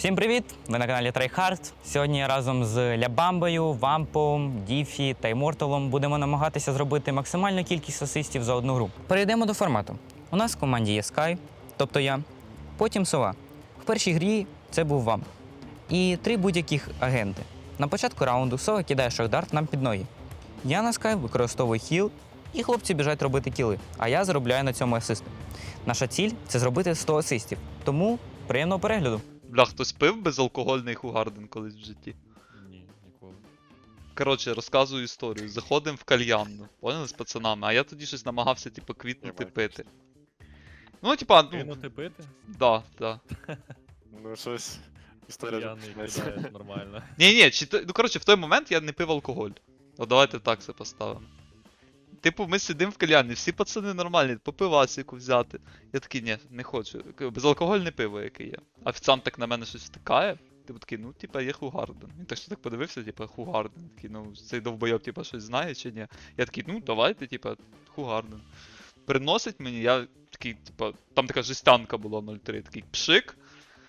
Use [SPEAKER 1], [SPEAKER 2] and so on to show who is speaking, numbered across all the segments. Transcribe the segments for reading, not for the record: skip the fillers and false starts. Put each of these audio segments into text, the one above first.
[SPEAKER 1] Всім привіт! Ви на каналі Tryhard. Сьогодні разом з Лябамбою, Вампом, Діфі та Імморталом будемо намагатися зробити максимальну кількість асистів за одну гру. Перейдемо до формату. У нас в команді є Скай, тобто я, потім Сова. В першій грі це був Вамп. І 3 будь-яких агенти. На початку раунду Сова кидає шахдарт нам під ноги. Я на Скай використовую хіл, і хлопці біжать робити кіли, а я заробляю на цьому асисти. Наша ціль – це зробити 100 асистів, тому приємного перегляду.
[SPEAKER 2] Бля, хтось пив безалкогольний Хугарден колись в житті?
[SPEAKER 3] Ні, ніколи.
[SPEAKER 2] Коротше, розказую історію. Заходимо в кальянну, поняли, з пацанами, а я тоді щось намагався, типу, квітнути пити. Ну, типа, ну,
[SPEAKER 3] Кинути пити?
[SPEAKER 2] да.
[SPEAKER 4] Ну, щось. Історія
[SPEAKER 3] П'яний
[SPEAKER 4] починається.
[SPEAKER 3] кидає нормально.
[SPEAKER 2] Ні, ну коротше, в той момент я не пив алкоголь. От давайте так це поставимо. Типу, ми сидимо в кальянні, всі пацани нормальні, по пивасику взяти. Я такий, ні, не хочу. Безалкогольне пиво, яке є. Офіціант так на мене щось втикає. Типу такий, ну, типа, є Хугарден. Він так що так подивився, типа, Хугарден. Такий, ну, цей довбойоб, типа, щось знає чи ні. Я такий, ну, давайте, типа, Хугарден. Приносить мені, я такий, типа, там така жестянка була 0,3, такий пшик.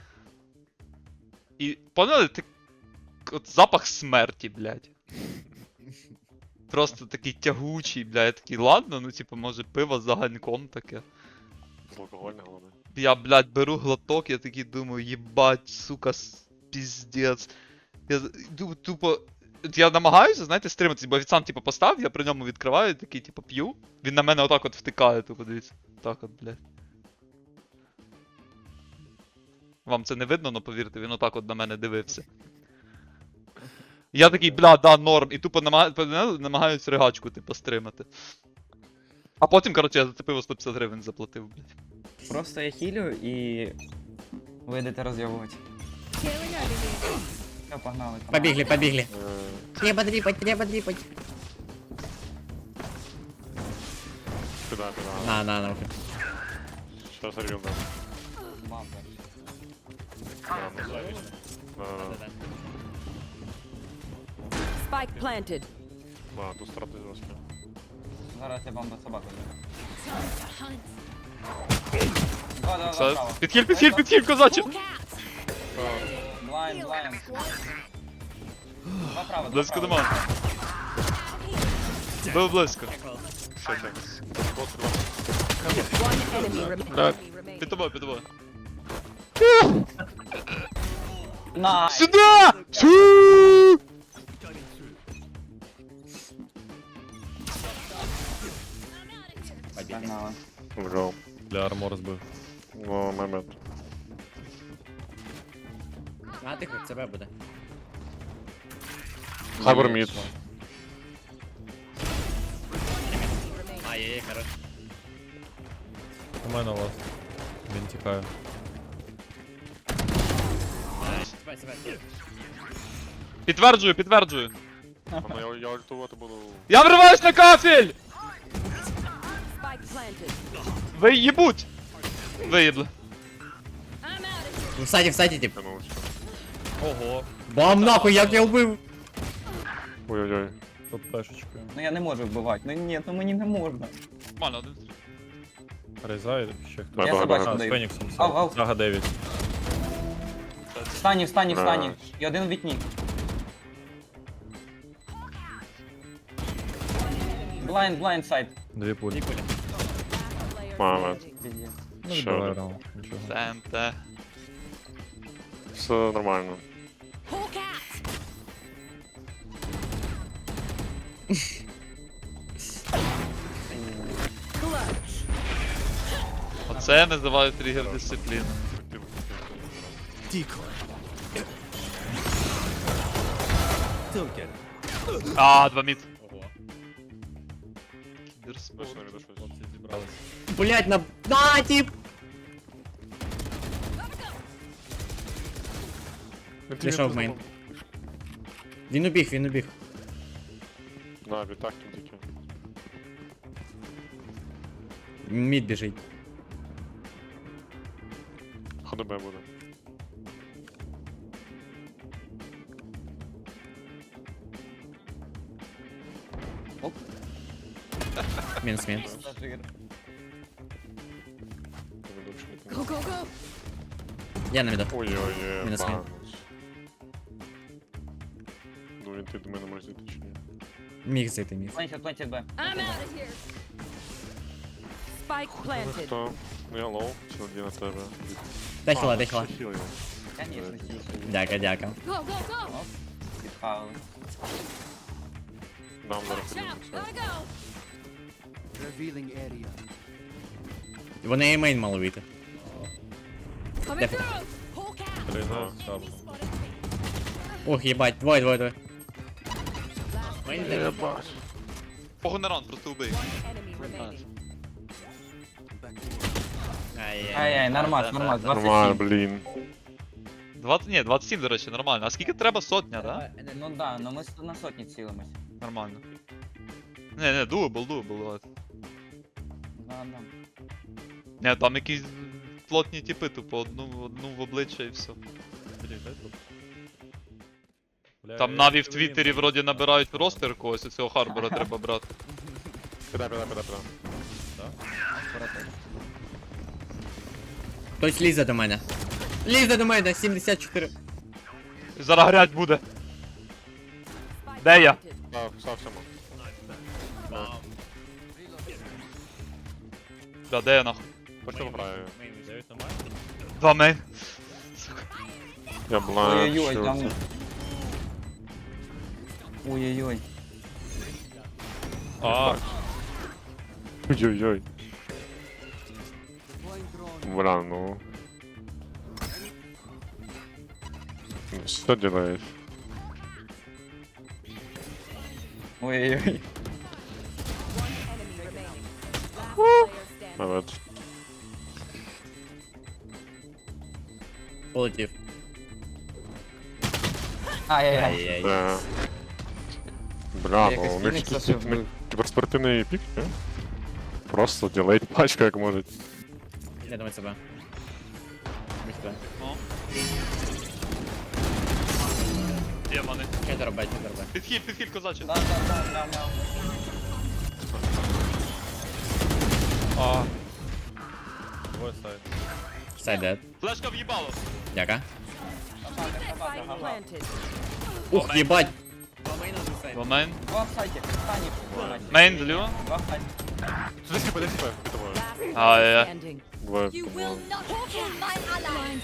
[SPEAKER 2] І, поняли, от запах смерті, блядь. Просто такий тягучий, бля, я такий, ладно, ну типу, може пиво з аганьком таке.
[SPEAKER 4] Алкогольне головне.
[SPEAKER 2] Я, блядь, беру глоток, я такий думаю, їбать, сука, піздець. Я тупо. Я намагаюся, знаєте, стриматися, бо офіціант, типу, постав, я при ньому відкриваю, такий, типу, п'ю. Він на мене отак от втикає, тупо, дивіться. Так от, блядь. Вам це не видно, но повірте, він отак от на мене дивився. Я такий, бля, да, норм, і тупо намагаюсь ригачку, типу, стримати. А потім, коротше, я за це пиво 150 гривень заплатив, блядь.
[SPEAKER 1] Просто я хілю і ви йдете розйовувати. Все, погнали.
[SPEAKER 5] Побегли.
[SPEAKER 4] Е,
[SPEAKER 5] Треба дріпать.
[SPEAKER 4] Піда.
[SPEAKER 5] На.
[SPEAKER 4] Що сорвів, да.
[SPEAKER 6] Spike planted.
[SPEAKER 4] Тут страти жорстко.
[SPEAKER 1] Зараз я бамба собаку.
[SPEAKER 2] Це... Підхиль, козаче!
[SPEAKER 1] Блайн.
[SPEAKER 2] Близько до мене. Був близько.
[SPEAKER 4] Що це?
[SPEAKER 6] One enemy remaining.
[SPEAKER 2] Під тобою.
[SPEAKER 1] Найс!
[SPEAKER 2] Сюда! Сю!
[SPEAKER 1] Погнали.
[SPEAKER 4] Вже.
[SPEAKER 3] Для армор збив.
[SPEAKER 4] О, момент.
[SPEAKER 5] А тихо, тебе буде.
[SPEAKER 4] Хайбер мід.
[SPEAKER 5] Ай-яй-яй, хорош.
[SPEAKER 3] У мене вас. Він тікає.
[SPEAKER 5] Себе.
[SPEAKER 2] Підтверджую.
[SPEAKER 4] Ну, я ультувати буду.
[SPEAKER 2] Я вриваюсь на кафель!
[SPEAKER 6] Spike planted.
[SPEAKER 2] Ви їбуть! Виїбли.
[SPEAKER 5] В саді, тип.
[SPEAKER 4] Тянувся.
[SPEAKER 3] Ого.
[SPEAKER 5] Бам нахуй, як я вбив.
[SPEAKER 4] Ой-ой-ой.
[SPEAKER 3] Тут пешечкою.
[SPEAKER 1] Ну я не можу вбивати. Ну ні, ну мені не можна.
[SPEAKER 2] Нормально, один.
[SPEAKER 3] Рейзай, ще хто.
[SPEAKER 4] Я
[SPEAKER 1] Я собачку
[SPEAKER 3] А, з
[SPEAKER 1] даю.
[SPEAKER 3] Феніксом.
[SPEAKER 1] Ав.
[SPEAKER 3] Сага 9.
[SPEAKER 1] Встані. І один в вікні. Блайн сайт.
[SPEAKER 3] 2 пулі.
[SPEAKER 6] Player
[SPEAKER 4] Момент.
[SPEAKER 6] standing.
[SPEAKER 3] Ну,
[SPEAKER 4] Ще
[SPEAKER 3] відбиває
[SPEAKER 4] один.
[SPEAKER 3] раунд. Нічого.
[SPEAKER 2] ТНТ.
[SPEAKER 4] Все нормально.
[SPEAKER 6] Clutch.
[SPEAKER 2] Оце я називаю тригер дисципліни. А, 2 мід.
[SPEAKER 3] Ого.
[SPEAKER 2] Кіберспорт.
[SPEAKER 4] Точно відійшов.
[SPEAKER 3] Хлопці зібрались.
[SPEAKER 5] Блять, на тип. Пішов в мейн. Він убіг.
[SPEAKER 4] На, відтак тільки.
[SPEAKER 5] Мід біжить.
[SPEAKER 4] ХДБ буде.
[SPEAKER 5] Мінус.
[SPEAKER 1] Пасажир.
[SPEAKER 4] Ведучий.
[SPEAKER 6] Go, go, go.
[SPEAKER 5] Я на віду.
[SPEAKER 4] Ой-ой-ой,
[SPEAKER 5] Мінус мейн.
[SPEAKER 4] банус. Ну він ти до мене може зайти чи ні?
[SPEAKER 5] Міг зайти, міг.
[SPEAKER 1] Плентять, плентять Б.
[SPEAKER 6] I'm out of here. Spike
[SPEAKER 4] Ви
[SPEAKER 6] planted.
[SPEAKER 4] хто? Ну я лоу, чи один на тебе?
[SPEAKER 5] Дай хіла, дай хіла.
[SPEAKER 4] Хіл його.
[SPEAKER 1] Конечно,
[SPEAKER 5] Дяка, дяка.
[SPEAKER 6] Go, go, go.
[SPEAKER 1] підхавили.
[SPEAKER 4] Дам зараз
[SPEAKER 6] Watch out.
[SPEAKER 4] подивимося.
[SPEAKER 6] Gotta go.
[SPEAKER 7] Revealing area.
[SPEAKER 5] Вони і мейн мали вийти.
[SPEAKER 6] Coming
[SPEAKER 5] Дефо.
[SPEAKER 6] through. Hawk out.
[SPEAKER 3] Переїжджаю з шабу.
[SPEAKER 5] Ух, їбать, двоє. Мейн де?
[SPEAKER 4] Єбать.
[SPEAKER 2] Погон на раунд, просто убий.
[SPEAKER 6] Enemy remaining.
[SPEAKER 1] Ай-яй, нормас, 27.
[SPEAKER 4] Нормально, блін.
[SPEAKER 2] 20, ні, 27, до речі, нормально. А скільки треба? Сотня, да?
[SPEAKER 1] Ну да, ну ми на сотні цілимось.
[SPEAKER 2] Нормально. Не, дуабл, давайте.
[SPEAKER 1] Да.
[SPEAKER 2] Не, там якісь плотні типи, тупо одну в обличчя і все.
[SPEAKER 3] Блін, дай тут. Бля,
[SPEAKER 2] Там
[SPEAKER 3] я
[SPEAKER 2] наві в
[SPEAKER 3] чую,
[SPEAKER 2] Твіттері вроді набирають ростер когось, і цього Харбора треба брати.
[SPEAKER 4] Підай.
[SPEAKER 5] Хтось лізе до мене. Лізе до мене, 74.
[SPEAKER 2] Зараз грять буде.
[SPEAKER 6] Spike
[SPEAKER 2] Де я?
[SPEAKER 6] planted.
[SPEAKER 4] Став всьому.
[SPEAKER 2] Бля, де я нахуй?
[SPEAKER 4] Почав граю.
[SPEAKER 3] Дев'ять немає?
[SPEAKER 2] 2 мейн.
[SPEAKER 4] Я блаю.
[SPEAKER 1] Ой-ой-ой, там. Ой-ой-ой.
[SPEAKER 3] А,
[SPEAKER 4] Ой-ой-ой.
[SPEAKER 7] Deploying drone.
[SPEAKER 4] Бля, ну. Что делаешь?
[SPEAKER 1] Ой-ой-ой.
[SPEAKER 6] Enemy remaining. Last player standing.
[SPEAKER 4] Молодец.
[SPEAKER 5] Полетів.
[SPEAKER 1] Ай-яй-яй.
[SPEAKER 5] Ай-яй.
[SPEAKER 4] Да. Бля,
[SPEAKER 1] Якось
[SPEAKER 4] ну у них
[SPEAKER 1] Фінікса
[SPEAKER 4] тут
[SPEAKER 1] ще вбив.
[SPEAKER 4] ну, кіберспортивний пік, не? Просто ділейт пачка як може.
[SPEAKER 5] Я думаю, себе. Міхто.
[SPEAKER 2] Є мене.
[SPEAKER 5] Чедер Б.
[SPEAKER 2] Підхід, козаче.
[SPEAKER 1] Да.
[SPEAKER 3] а. Двоє сайт.
[SPEAKER 5] Сайд дед.
[SPEAKER 2] Флешка в'їбало.
[SPEAKER 5] Дяка.
[SPEAKER 6] Spike planted.
[SPEAKER 5] Ух, їбать.
[SPEAKER 2] 2 мейн.
[SPEAKER 1] Два в сайті. Стані.
[SPEAKER 2] Мейн зліва.
[SPEAKER 1] Два в сайті.
[SPEAKER 4] Сюди скіпи, дай скіпи, під тобою.
[SPEAKER 6] Last
[SPEAKER 2] Ah,
[SPEAKER 6] player
[SPEAKER 2] yeah.
[SPEAKER 6] standing.
[SPEAKER 4] Двоє.
[SPEAKER 6] You will not kill my ally.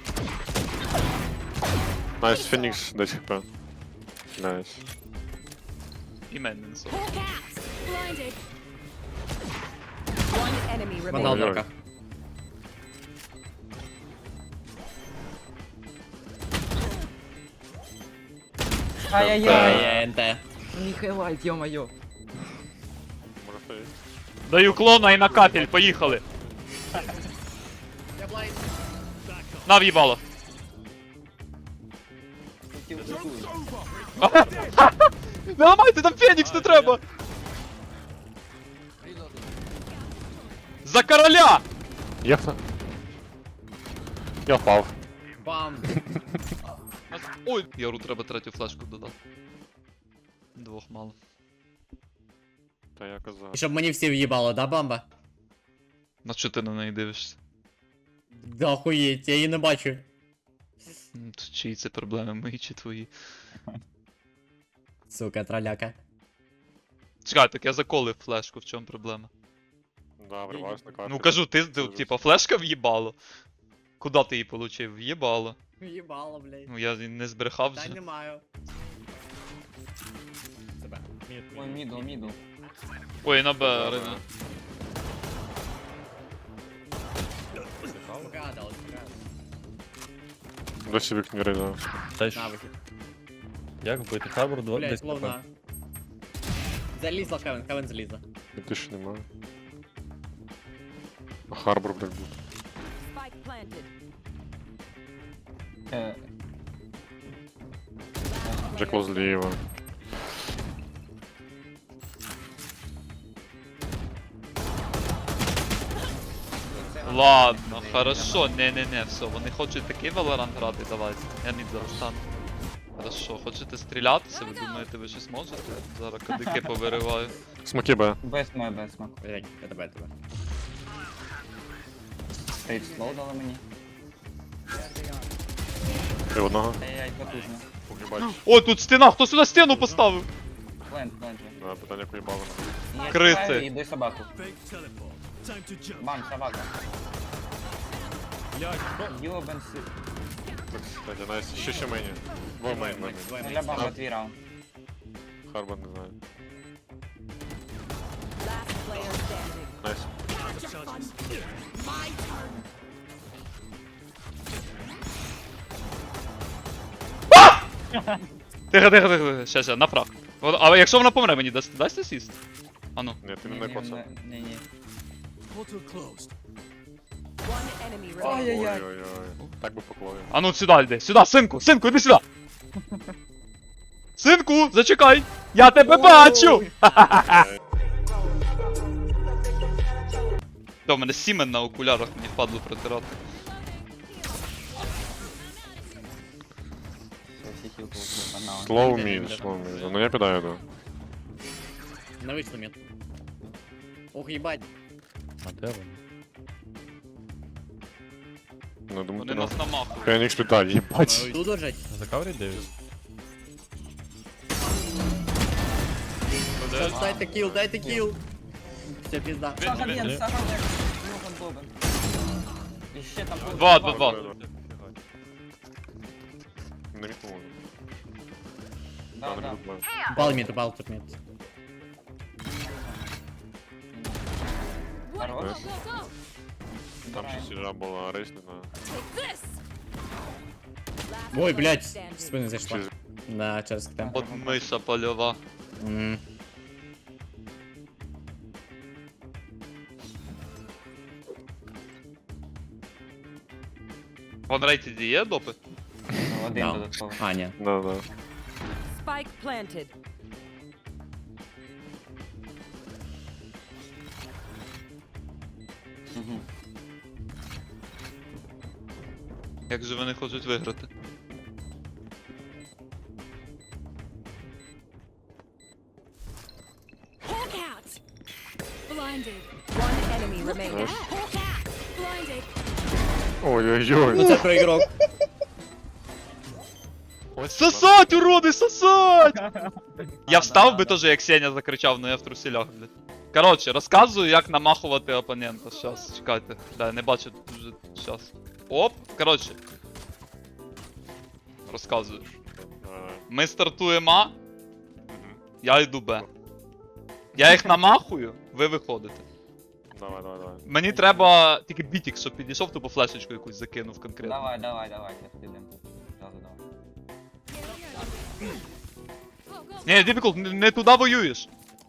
[SPEAKER 4] Найс, Фенікс, 10 хп. Найс.
[SPEAKER 2] І мейн мінусов.
[SPEAKER 6] Hawk out. Blinded. One enemy
[SPEAKER 5] Вона
[SPEAKER 6] remaining.
[SPEAKER 5] однака.
[SPEAKER 1] Ай-яй-яй.
[SPEAKER 5] Ай-яй, НТ.
[SPEAKER 1] Ніхайлайт, йо-моє.
[SPEAKER 4] Може стоїть.
[SPEAKER 2] Даю клона і на капель, поїхали. На в'їбало. Не ламайте, там Фенікс не треба! За короля!
[SPEAKER 4] Я впав.
[SPEAKER 5] Бам.
[SPEAKER 2] Ой, Яру треба третю флешку додати. Двох мало.
[SPEAKER 4] Та я казав.
[SPEAKER 5] І щоб мені всі в'їбало, да, бамба?
[SPEAKER 2] На що ти на неї дивишся?
[SPEAKER 5] Да охуєть, я її не бачу.
[SPEAKER 2] Чиї це проблеми, мої чи твої?
[SPEAKER 5] Сука, траляка.
[SPEAKER 2] Чекай, так я заколив флешку, в чому проблема?
[SPEAKER 4] Да, вриваюсь на карту.
[SPEAKER 2] Ну кажу, ти, типа, флешка в'їбало. Куда ти її получив? В'їбало.
[SPEAKER 5] В'їбало, блядь.
[SPEAKER 2] Ну я не збрехав
[SPEAKER 5] Та
[SPEAKER 2] вже.
[SPEAKER 5] не маю. Себе.
[SPEAKER 1] Ой, мідл.
[SPEAKER 2] Ой, на Б, Рина.
[SPEAKER 5] Погадали, погадали.
[SPEAKER 4] Досі вікні рейда.
[SPEAKER 3] Та ж,
[SPEAKER 5] На вихід.
[SPEAKER 3] як вбити? Харбор
[SPEAKER 5] Блядь,
[SPEAKER 3] десь
[SPEAKER 5] словно. Залізла Хевен залізла.
[SPEAKER 4] Ти ж немає. А Харбор, блядь, буде.
[SPEAKER 6] Spike planted.
[SPEAKER 4] Джекло зліва.
[SPEAKER 2] Ладно, хорошо, не, все, вони хочуть такий Valorant грати, давайте. Я мід зараз стану. Хорошо, хочете стрілятися, ви думаєте, ви щось можете? Зараз кадики повириваю.
[SPEAKER 4] Смоки Б.
[SPEAKER 1] Без смак.
[SPEAKER 5] Блядь, я тебе.
[SPEAKER 1] Стрейт слоу дали мені.
[SPEAKER 4] Ти одного?
[SPEAKER 1] Ай-яй, потужно.
[SPEAKER 4] Угибать.
[SPEAKER 2] О, тут стіна! Хто сюди стіну поставив?
[SPEAKER 1] Плент.
[SPEAKER 4] Да, питання поїбало.
[SPEAKER 1] Я
[SPEAKER 2] Криси.
[SPEAKER 1] чекаю, іди собаку. Бам, собака.
[SPEAKER 3] Блядь, що?
[SPEAKER 1] Йобан си.
[SPEAKER 4] Кстати, Настя, ще мені. Двоє мейн, мейн.
[SPEAKER 1] Для баба твій раунд.
[SPEAKER 4] Харбан не знаю.
[SPEAKER 6] Last player standing.
[SPEAKER 4] Найс.
[SPEAKER 2] Тихо. Ще, направ. А якщо вона помре, мені дасть асіст? А ну.
[SPEAKER 4] Ні, ти мене коцав.
[SPEAKER 1] Ні.
[SPEAKER 6] One enemy remaining.
[SPEAKER 1] Ай-яй-яй.
[SPEAKER 4] Ой-ой-ой. Так би покловив.
[SPEAKER 2] А ну сюди йди. Сюди, синку, іди сюди. Синку, зачекай. Я тебе бачу. Та, у мене сімен на окулярах, мені впадло протирати.
[SPEAKER 4] Slow mid. Ну я підаю, да.
[SPEAKER 5] Не вийшло мід. Ох, їбать.
[SPEAKER 3] А де вони?
[SPEAKER 4] Ну, думаю,
[SPEAKER 2] Вони
[SPEAKER 4] ти
[SPEAKER 2] нас
[SPEAKER 4] на...
[SPEAKER 2] намахують.
[SPEAKER 4] Фенікс літає, їбать.
[SPEAKER 5] Тут лежать.
[SPEAKER 3] Закавріть Девіс?
[SPEAKER 5] Дайте кіл. Все, пізда.
[SPEAKER 1] Саша
[SPEAKER 2] Він-
[SPEAKER 1] Бен, Саша Бен. Йобан Бобен. І ще там...
[SPEAKER 2] Два.
[SPEAKER 4] Не відпомогу.
[SPEAKER 1] Да.
[SPEAKER 5] Упал мід, тут мід.
[SPEAKER 1] Хорош.
[SPEAKER 4] Там ще сіжа була, рейс, не знаю.
[SPEAKER 6] Take this.
[SPEAKER 5] Ой, блядь, в
[SPEAKER 6] Standing.
[SPEAKER 5] спину зайшла.
[SPEAKER 4] Через-
[SPEAKER 5] Да, через КТ.
[SPEAKER 2] От миша польова.
[SPEAKER 5] М.
[SPEAKER 2] Вон рейтеді є допи?
[SPEAKER 1] Один
[SPEAKER 5] Да.
[SPEAKER 1] додатковий.
[SPEAKER 5] А, ні.
[SPEAKER 4] Да.
[SPEAKER 6] Spike planted.
[SPEAKER 1] Мгм.
[SPEAKER 2] Як же вони хочуть виграти?
[SPEAKER 6] Hawk out. Blinded. One enemy remaining. Hawk out. Blinded.
[SPEAKER 4] Ой-ой-ой.
[SPEAKER 5] Ну це проігрок.
[SPEAKER 2] Сосать, уроди, сосать! Я встав би теж, як Сеня закричав, но я в труселях, блядь. Коротше, розказую, як намахувати опонента. Щас, чекайте. Да, не бачу вже щас. Оп, коротше. Розказую. Ми стартуємо А, я йду Б. Я їх намахую, ви виходите.
[SPEAKER 4] Давай.
[SPEAKER 2] Мені треба тільки бітік, щоб підійшов, тупо флешечку якусь закинув конкретно.
[SPEAKER 1] Давай, зараз підемо. Зразу давай.
[SPEAKER 2] Ні, Difficult, не туди воюєш.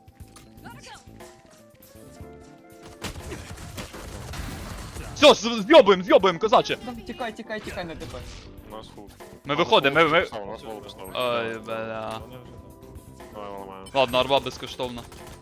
[SPEAKER 2] Все, з'йобуємо, козаче.
[SPEAKER 1] Тікай, не тепер.
[SPEAKER 4] У нас фул.
[SPEAKER 2] Ми виходимо, ми...
[SPEAKER 4] У нас фул поставили.
[SPEAKER 2] Ой, бля.
[SPEAKER 3] Вони вже там.
[SPEAKER 4] Давай, ламаємо.
[SPEAKER 2] Ладно, арба безкоштовна.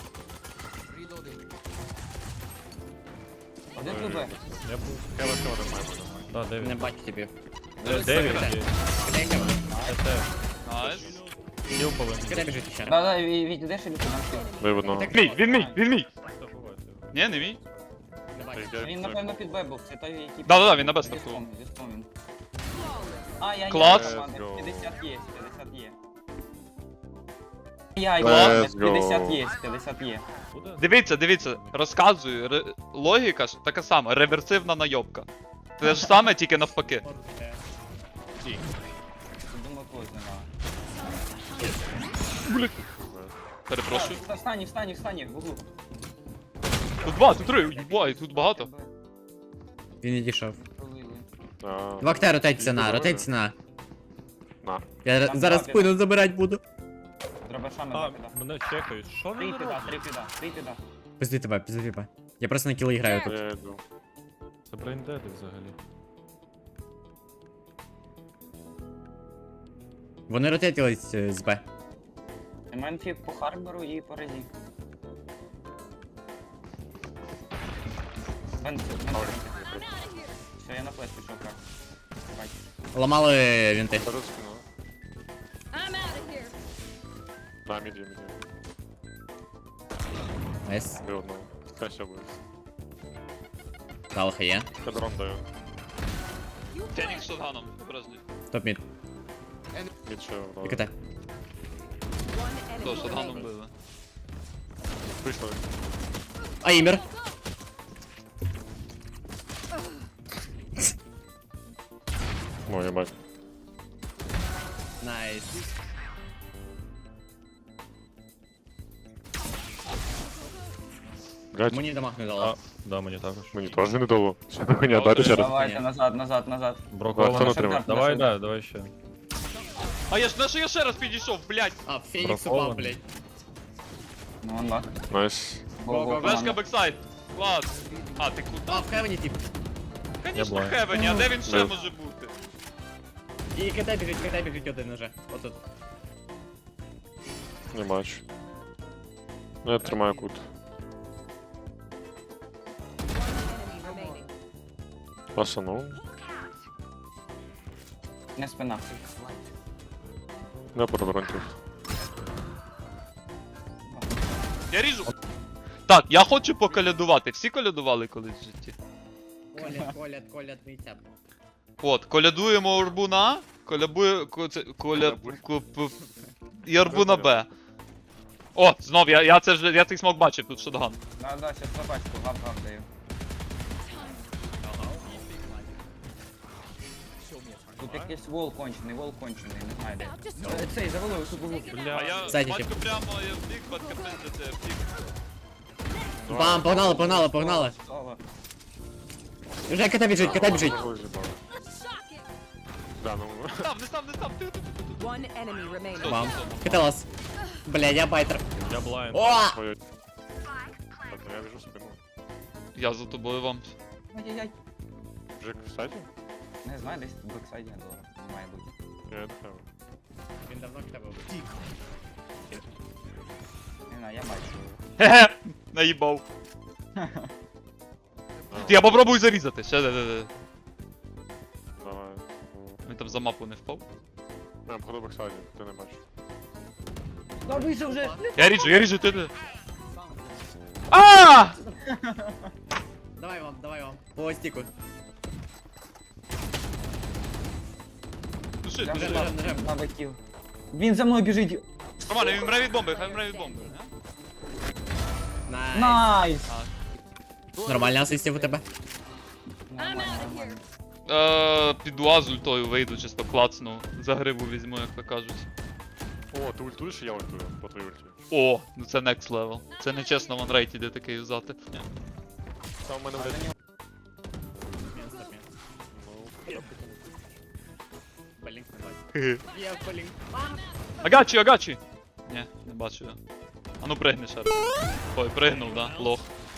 [SPEAKER 1] Один тут Б.
[SPEAKER 3] Я був.
[SPEAKER 4] Кевин має бути.
[SPEAKER 3] Да, Девіс.
[SPEAKER 5] Не бачу тебе.
[SPEAKER 3] Девіс є. ТТ.
[SPEAKER 2] Найс.
[SPEAKER 3] Хіл повинен.
[SPEAKER 5] Куди біжить ще?
[SPEAKER 1] Да, Віть, ідеш і літи нам
[SPEAKER 4] Виводно.
[SPEAKER 2] Він мій!
[SPEAKER 3] Хто ховається?
[SPEAKER 2] Ні, не мій.
[SPEAKER 5] Не бачу.
[SPEAKER 1] Він, напевно, під Б був, це той, який...
[SPEAKER 2] Да, він на Б стартував.
[SPEAKER 1] Віспом він. А, я
[SPEAKER 2] Клас.
[SPEAKER 1] 50 є. Я
[SPEAKER 4] Let's
[SPEAKER 1] 50 є.
[SPEAKER 3] Буде?
[SPEAKER 2] Дивіться, розказую. Логіка ж така сама, реверсивна найобка. Те ж саме, тільки навпаки.
[SPEAKER 1] Думаю, когось немає.
[SPEAKER 2] Перепрошую.
[SPEAKER 1] Встань, в углу.
[SPEAKER 2] Тут два, тут три, їбай, тут багато.
[SPEAKER 5] Він не дійшов.
[SPEAKER 1] Пролили.
[SPEAKER 5] В окте ротейція на.
[SPEAKER 4] На.
[SPEAKER 5] Я
[SPEAKER 1] Там
[SPEAKER 5] зараз
[SPEAKER 1] два
[SPEAKER 5] спину забирати буду.
[SPEAKER 1] Дробашами
[SPEAKER 3] А,
[SPEAKER 1] закида.
[SPEAKER 3] мене чекають. Що
[SPEAKER 1] Три
[SPEAKER 3] вони
[SPEAKER 1] піда,
[SPEAKER 3] роблять?
[SPEAKER 1] три піда.
[SPEAKER 5] Пизди тебе. Я просто на кіли граю тут.
[SPEAKER 4] Я йду.
[SPEAKER 3] Це брейндеди взагалі.
[SPEAKER 5] Вони ротейтились з Б.
[SPEAKER 1] У мене фіг по Харбору і по Резі. Все, я на флеш пішов, как. Бать.
[SPEAKER 5] Ламали вінти.
[SPEAKER 4] Зараз спину.
[SPEAKER 6] I'm out of here.
[SPEAKER 4] На, міді.
[SPEAKER 5] Найс.
[SPEAKER 4] Виводно. Краще буде.
[SPEAKER 5] Талха є.
[SPEAKER 4] Кадрон даю.
[SPEAKER 2] Фенікс з шотганом, обережний.
[SPEAKER 5] Топ мід.
[SPEAKER 4] Нічого,
[SPEAKER 5] І
[SPEAKER 4] добре.
[SPEAKER 5] КТ.
[SPEAKER 6] One
[SPEAKER 2] Хто
[SPEAKER 6] enemy
[SPEAKER 2] шотганом
[SPEAKER 6] remaining.
[SPEAKER 2] били?
[SPEAKER 4] Вийшли.
[SPEAKER 5] Аймер.
[SPEAKER 4] Ой, єбать.
[SPEAKER 5] Найс.
[SPEAKER 4] Блядь,
[SPEAKER 5] Мені дамаг не
[SPEAKER 3] А,
[SPEAKER 5] дало.
[SPEAKER 3] да, мені також.
[SPEAKER 4] мені теж не дало. Ще до хуйня, дайте ще раз.
[SPEAKER 1] Давайте назад.
[SPEAKER 4] Хто
[SPEAKER 3] Броковано.
[SPEAKER 4] не тримав?
[SPEAKER 3] Давай, да, давай ще.
[SPEAKER 2] А я ж на що я ще раз підійшов, блядь!
[SPEAKER 5] А, Фенікс
[SPEAKER 3] Браковано.
[SPEAKER 5] упав, блядь.
[SPEAKER 1] Ну, анлак.
[SPEAKER 4] Найс.
[SPEAKER 5] Го-го.
[SPEAKER 2] Флешка бексайд. Клас. А, ти куди?
[SPEAKER 5] А, в хевені тип.
[SPEAKER 2] Конечно,
[SPEAKER 3] блайн.
[SPEAKER 2] Хевені, а де він ще
[SPEAKER 4] Да.
[SPEAKER 2] може бути?
[SPEAKER 5] І КТ біжить один уже. Отут.
[SPEAKER 4] Не бачу. Ну, я тримаю кут.
[SPEAKER 6] Enemy remaining.
[SPEAKER 4] Пасанув.
[SPEAKER 1] Не спина.
[SPEAKER 4] Не продронтів.
[SPEAKER 2] Я ріжу. Так, я хочу поколядувати. Всі колядували колись в житті?
[SPEAKER 5] Колят, митя.
[SPEAKER 2] От, колядуємо Орбуна, і Орбуна Б. О, знов, я цей смок бачив, тут шотган.
[SPEAKER 1] Да, сейчас собачку, гав даю. Тут якийсь вол кончений, не знаю де. Цей, завалив, тут був.
[SPEAKER 2] А
[SPEAKER 3] Бля.
[SPEAKER 2] я
[SPEAKER 5] Ззаді
[SPEAKER 2] батько
[SPEAKER 5] тип.
[SPEAKER 2] прямо я вбіг, батько пиздите, вбіг.
[SPEAKER 5] Бам, погнали.
[SPEAKER 1] Соло.
[SPEAKER 5] Вже КТ біжить.
[SPEAKER 4] Да, ну.
[SPEAKER 2] Не став, ти.
[SPEAKER 6] One enemy remaining.
[SPEAKER 5] Бам. КТ лас. Бля, я байтер.
[SPEAKER 3] Я блайн.
[SPEAKER 5] О!
[SPEAKER 4] Ой. Так, ну я біжу в спину.
[SPEAKER 2] Я за тобою вам.
[SPEAKER 1] Ай-яй-яй.
[SPEAKER 4] Джек в сайті?
[SPEAKER 1] Не знаю, десь в бексайді має бути.
[SPEAKER 4] Я не знаю.
[SPEAKER 5] Він давно КТ був.
[SPEAKER 1] Не знаю, я бачу.
[SPEAKER 2] Хе-хе, наїбав. Я попробую зарізати, ще де.
[SPEAKER 4] Давай.
[SPEAKER 2] Він там за мапу не впав.
[SPEAKER 4] Я походу бексайді, ти не бачиш.
[SPEAKER 1] Да вийшов вже!
[SPEAKER 2] Я ріжу, ти. А!
[SPEAKER 5] Давай вам. По стіку.
[SPEAKER 2] Души.
[SPEAKER 5] Нажем.
[SPEAKER 1] Навиків. Він за мною біжить.
[SPEAKER 2] Нормально, він мре від бомби, хай мре від бомби.
[SPEAKER 5] Найс.
[SPEAKER 1] Найс!
[SPEAKER 5] Нормально асистів у тебе.
[SPEAKER 2] Піду А з ультою вийду, чисто клацну. За грибу візьму, як то кажуть.
[SPEAKER 4] О, ти ультуєш, і я ультую по твоїй ульті.
[SPEAKER 2] О, ну це next level. Це не чесно в анрейті де таке юзати. Ні.
[SPEAKER 4] Там в мене, блядь, ну,
[SPEAKER 5] Блінк не бачу. Є блінк.
[SPEAKER 2] Агачі! Ні, не бачу я. А ну пригни ще раз. Ой, пригнув, да, лох.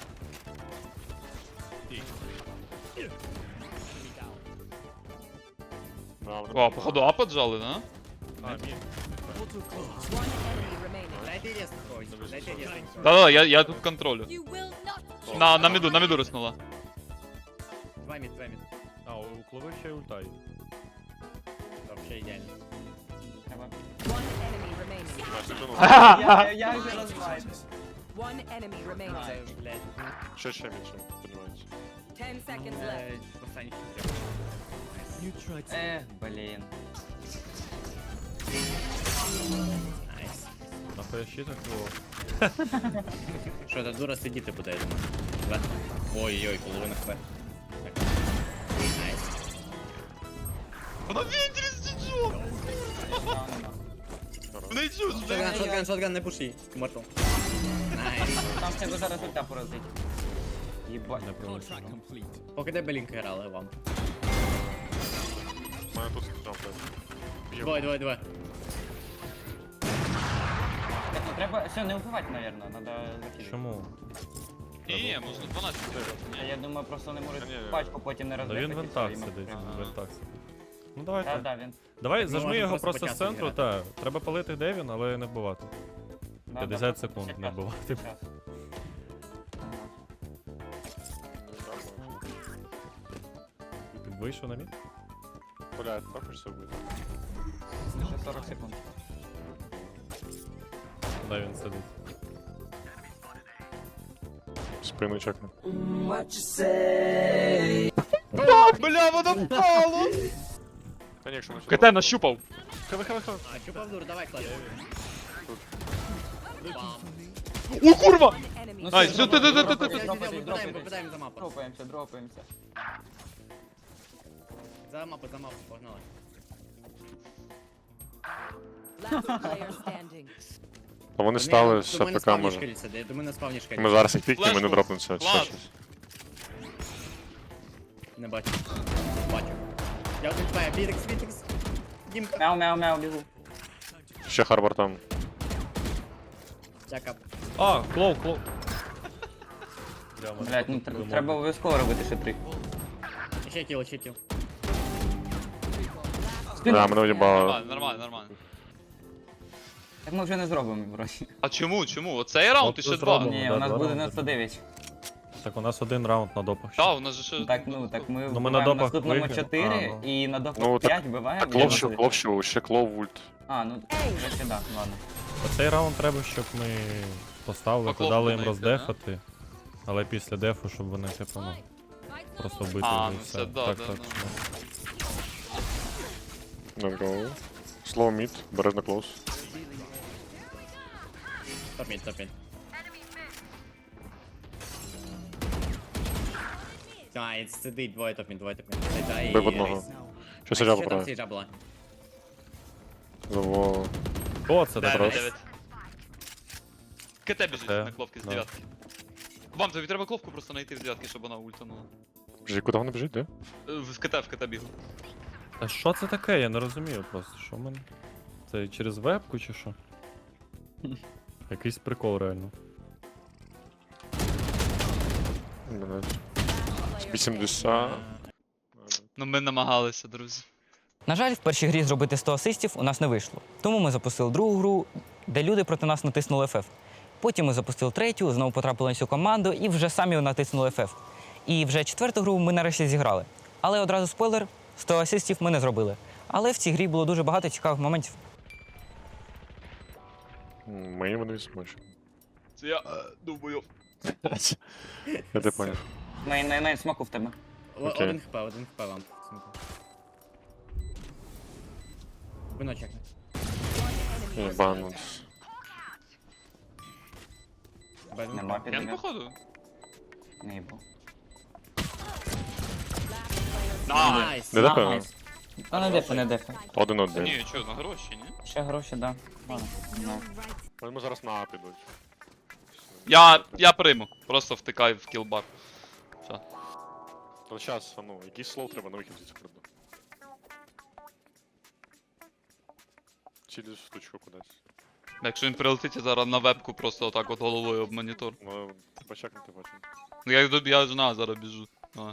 [SPEAKER 4] да,
[SPEAKER 2] О, походу А поджали, да?
[SPEAKER 3] А, мій.
[SPEAKER 6] One enemy remaining.
[SPEAKER 5] Дайте рез когось. Дайте рез.
[SPEAKER 2] Да-да, я тут контролю.
[SPEAKER 6] You will not.
[SPEAKER 2] На міду риснула.
[SPEAKER 5] Два мід.
[SPEAKER 3] А, у Клови ще й ульта є.
[SPEAKER 5] Вообще ідеально.
[SPEAKER 6] One enemy remaining.
[SPEAKER 4] я сиджу, ну,
[SPEAKER 1] Я вже розбаю.
[SPEAKER 6] One enemy remaining.
[SPEAKER 5] Це, блядь.
[SPEAKER 4] ще більше, подівається.
[SPEAKER 6] 10 seconds left.
[SPEAKER 5] Останній
[SPEAKER 1] Блін.
[SPEAKER 5] Найс.
[SPEAKER 3] Нахуя ще так було?
[SPEAKER 5] Що, та дура сидіти буде, я думаю. Да? Ой-ой, половина хп. Так. Найс.
[SPEAKER 2] Вона вінтрі сиджу! Не чусь,
[SPEAKER 5] Шотган, не пуши. Мортал. Найс.
[SPEAKER 1] Там в тебе зараз ульта поразить. Єбать.
[SPEAKER 3] Не пролетіло.
[SPEAKER 5] Поки де Белінк грали вам.
[SPEAKER 4] У мене тут джамп, блядь.
[SPEAKER 5] Двоє.
[SPEAKER 1] Так, ну треба... Все, не вбивати, наверное, надо закидати.
[SPEAKER 3] Чому?
[SPEAKER 2] Ні, можна 12
[SPEAKER 1] А я думаю, просто не може
[SPEAKER 4] Ні,
[SPEAKER 1] пачку потім не
[SPEAKER 3] Да
[SPEAKER 1] розбити.
[SPEAKER 3] він в вентах сидить, в вентах сидить. Ну давайте.
[SPEAKER 1] Да, він.
[SPEAKER 3] Давай,
[SPEAKER 5] Ми
[SPEAKER 3] зажми
[SPEAKER 5] можемо
[SPEAKER 3] його
[SPEAKER 5] просто
[SPEAKER 3] просто з
[SPEAKER 5] по часу
[SPEAKER 3] центру,
[SPEAKER 5] грати.
[SPEAKER 3] та. Треба палити, де він, але не вбивати.
[SPEAKER 1] Да,
[SPEAKER 3] 50
[SPEAKER 1] да,
[SPEAKER 3] секунд
[SPEAKER 1] щас,
[SPEAKER 3] не вбивати.
[SPEAKER 1] щас.
[SPEAKER 3] Ти вийшов на мій?
[SPEAKER 4] Блядь, також все буде.
[SPEAKER 1] Ще 40 секунд.
[SPEAKER 3] Куди він сидить?
[SPEAKER 4] Спину чекну.
[SPEAKER 2] Бля, воно впало!
[SPEAKER 4] Конечно,
[SPEAKER 2] КТ нащупав.
[SPEAKER 5] А, чупав дур, давай, клади. Бам.
[SPEAKER 2] О, курва!
[SPEAKER 6] Enemy.
[SPEAKER 2] Ай, все, ти.
[SPEAKER 5] Попадаємо за мапу.
[SPEAKER 1] Дропаємося.
[SPEAKER 5] За мапу, погнали.
[SPEAKER 6] Last player standing.
[SPEAKER 4] А вони стали з АПК, може.
[SPEAKER 5] До мене спавні шкелі.
[SPEAKER 4] Ми зараз їх пікнемо і не
[SPEAKER 2] Флешку.
[SPEAKER 4] дропнемося.
[SPEAKER 2] Влад.
[SPEAKER 5] Не бачу. Бачу. Я один твоя, Вітекс. Дімка.
[SPEAKER 1] Мяу, бігу.
[SPEAKER 4] Ще Харбор там.
[SPEAKER 5] Дяка.
[SPEAKER 3] А, клоу.
[SPEAKER 1] Блять, ну треба обов'язково робити ще 3.
[SPEAKER 5] Ще кіл.
[SPEAKER 4] Да, мене уїбало.
[SPEAKER 2] Нормально.
[SPEAKER 1] Так ми вже не зробимо, вроді.
[SPEAKER 2] А чому? Оцей раунд і
[SPEAKER 3] От
[SPEAKER 2] ще
[SPEAKER 3] ми
[SPEAKER 2] 2.
[SPEAKER 3] зробимо.
[SPEAKER 1] Ні,
[SPEAKER 3] да,
[SPEAKER 1] у нас
[SPEAKER 3] два
[SPEAKER 1] буде
[SPEAKER 3] раунди.
[SPEAKER 1] 99.
[SPEAKER 3] Так, у нас один раунд на допах. ще.
[SPEAKER 2] Так, у нас же ще...
[SPEAKER 1] Так ми
[SPEAKER 3] Ну, ми на
[SPEAKER 1] вбиваємо
[SPEAKER 3] допах
[SPEAKER 1] наступному
[SPEAKER 3] виграємо.
[SPEAKER 1] 4
[SPEAKER 3] А, ну.
[SPEAKER 1] і на
[SPEAKER 4] Ну,
[SPEAKER 1] допах
[SPEAKER 4] так-
[SPEAKER 1] 5 вбиваємо.
[SPEAKER 4] Клов, ще клов ульт.
[SPEAKER 1] А, ну, вже да, ладно.
[SPEAKER 3] Оцей раунд треба, щоб ми поставили,
[SPEAKER 2] По
[SPEAKER 3] дали їм
[SPEAKER 2] клопу знайти,
[SPEAKER 3] роздефати. Але після дефу, щоб вони типу, ну, просто вбити
[SPEAKER 2] А,
[SPEAKER 3] вже
[SPEAKER 2] ну
[SPEAKER 3] і
[SPEAKER 2] це
[SPEAKER 3] все.
[SPEAKER 2] да,
[SPEAKER 3] Так.
[SPEAKER 2] да.
[SPEAKER 4] Let's go. Slow mid, бережно close.
[SPEAKER 5] Топ-мід. Ай, сидить, двоє топ-мід.
[SPEAKER 4] Бив одного. Що сиджа
[SPEAKER 5] Що там
[SPEAKER 4] поправив?
[SPEAKER 5] сіджа була?
[SPEAKER 4] Заво.
[SPEAKER 3] О, це
[SPEAKER 2] Дев'ять,
[SPEAKER 3] добре.
[SPEAKER 2] 9. КТ біжить
[SPEAKER 3] Т,
[SPEAKER 2] на клопки з
[SPEAKER 3] да.
[SPEAKER 2] 9. Вам тобі треба клопку просто знайти з 9, щоб вона ультанула.
[SPEAKER 4] Біжи, куди вони біжить, де?
[SPEAKER 2] В КТ бігу.
[SPEAKER 3] А що це таке? Я не розумію просто. Що в мене? Це через вебку чи що? Якийсь прикол реально.
[SPEAKER 4] Блядь. 80.
[SPEAKER 2] Ну ми намагалися, друзі.
[SPEAKER 1] На жаль, в першій грі зробити 100 асистів у нас не вийшло. Тому ми запустили другу гру, де люди проти нас натиснули FF. Потім ми запустили третю, знову потрапили на цю команду і вже самі натиснули FF. І вже четверту гру ми нарешті зіграли. Але одразу спойлер, 100 асистів ми не зробили. Але в цій грі було дуже багато цікавих моментів.
[SPEAKER 4] Ми вони бачу.
[SPEAKER 2] Це я думаю.
[SPEAKER 4] Я те поняв.
[SPEAKER 1] Мейн смоку в тебе.
[SPEAKER 4] Окей.
[SPEAKER 5] Один хп вам. Виночок.
[SPEAKER 4] Єбанут.
[SPEAKER 1] Нема
[SPEAKER 2] Я не
[SPEAKER 1] підбіг.
[SPEAKER 2] походу.
[SPEAKER 1] Не їбу.
[SPEAKER 5] Найс.
[SPEAKER 4] Не дефе?
[SPEAKER 1] Найс. Та не дефе, не дефе.
[SPEAKER 4] Один один.
[SPEAKER 2] Ні, що, на гроші, ні?
[SPEAKER 1] Ще гроші, да. Ладно. Ну.
[SPEAKER 4] Ми зараз на А підуть.
[SPEAKER 2] Я прийму. Просто втикай в кілбар.
[SPEAKER 4] То зараз, ну, якийсь слов треба на вихід звідси прийду. Через штучку кудись.
[SPEAKER 2] Якщо він прилетить, я зараз на вебку просто отак от головою об монітор.
[SPEAKER 4] Ну, треба чекнути потім.
[SPEAKER 2] Ну я ж на зараз біжу. Давай.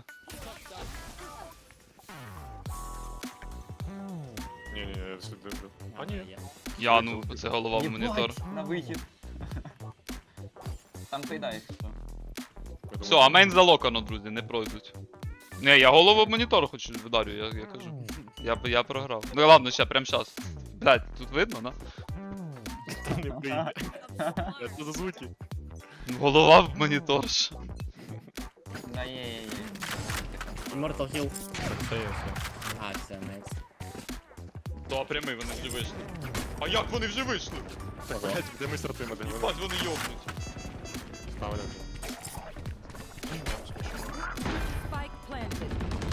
[SPEAKER 4] Ні, я слідую. А ні.
[SPEAKER 2] Я, ну, це голова в монітор.
[SPEAKER 1] На вихід. Там кидаєш.
[SPEAKER 2] Все, а мейн залокано, друзі, не пройдуть. Не, я голову в монітор хочу вдарю, я кажу. Я програв. Ну ладно, ще, прям щас. Блять, тут видно, да?
[SPEAKER 4] Не прийде. Це за звуки.
[SPEAKER 2] Голова в монітор. ж.
[SPEAKER 1] Да, є.
[SPEAKER 5] Immortal Heal.
[SPEAKER 3] Так, це є все.
[SPEAKER 5] А, все, найс.
[SPEAKER 2] То прямий, вони вже вийшли. А як вони вже вийшли?
[SPEAKER 4] Блять, де ми стартуємо? Де
[SPEAKER 2] Бать, вони йобнуть.
[SPEAKER 4] Ставили.
[SPEAKER 6] Spike planted.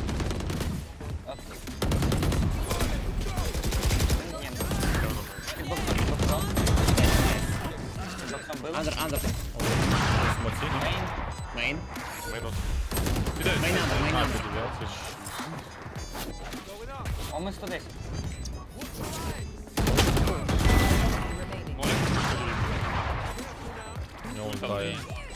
[SPEAKER 5] Андер.
[SPEAKER 3] Смоці?
[SPEAKER 5] Мейн.
[SPEAKER 4] Минус.
[SPEAKER 5] Мейн андер.
[SPEAKER 1] О, ми 110.
[SPEAKER 6] Remaining.
[SPEAKER 3] У нього ультає.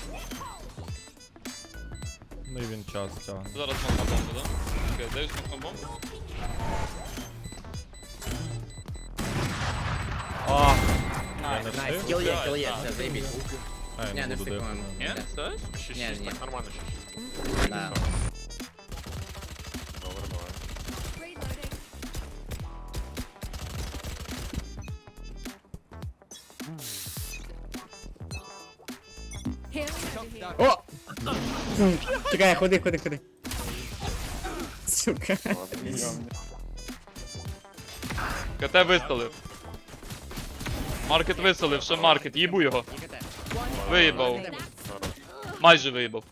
[SPEAKER 3] Ну і він час тягне.
[SPEAKER 2] Зараз смок на бомбу, да? Окей, дають смок на бомбу.
[SPEAKER 3] А! Я не
[SPEAKER 5] Найс.
[SPEAKER 3] встиг?
[SPEAKER 5] Кіл є, все, заєбіть.
[SPEAKER 3] А, я
[SPEAKER 5] Не,
[SPEAKER 3] не
[SPEAKER 5] не
[SPEAKER 3] буду
[SPEAKER 5] встиг, по-моєму.
[SPEAKER 2] Ні? Все?
[SPEAKER 5] Ні, ні.
[SPEAKER 4] Так нормально ще.
[SPEAKER 5] Да.
[SPEAKER 4] Добре, давай.
[SPEAKER 6] Healing over here.
[SPEAKER 5] Чекай, ходи. сука.
[SPEAKER 2] КТ виставив. Маркет виставив, ще маркет, їбу його. Виїбав. Майже виїбав.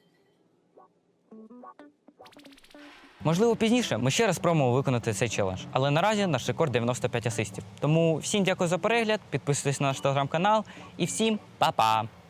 [SPEAKER 1] Можливо, пізніше ми ще раз спробуємо виконати цей челендж, але наразі наш рекорд 95 асистів. Тому всім дякую за перегляд, підписуйтесь на наш телеграм-канал і всім па-па!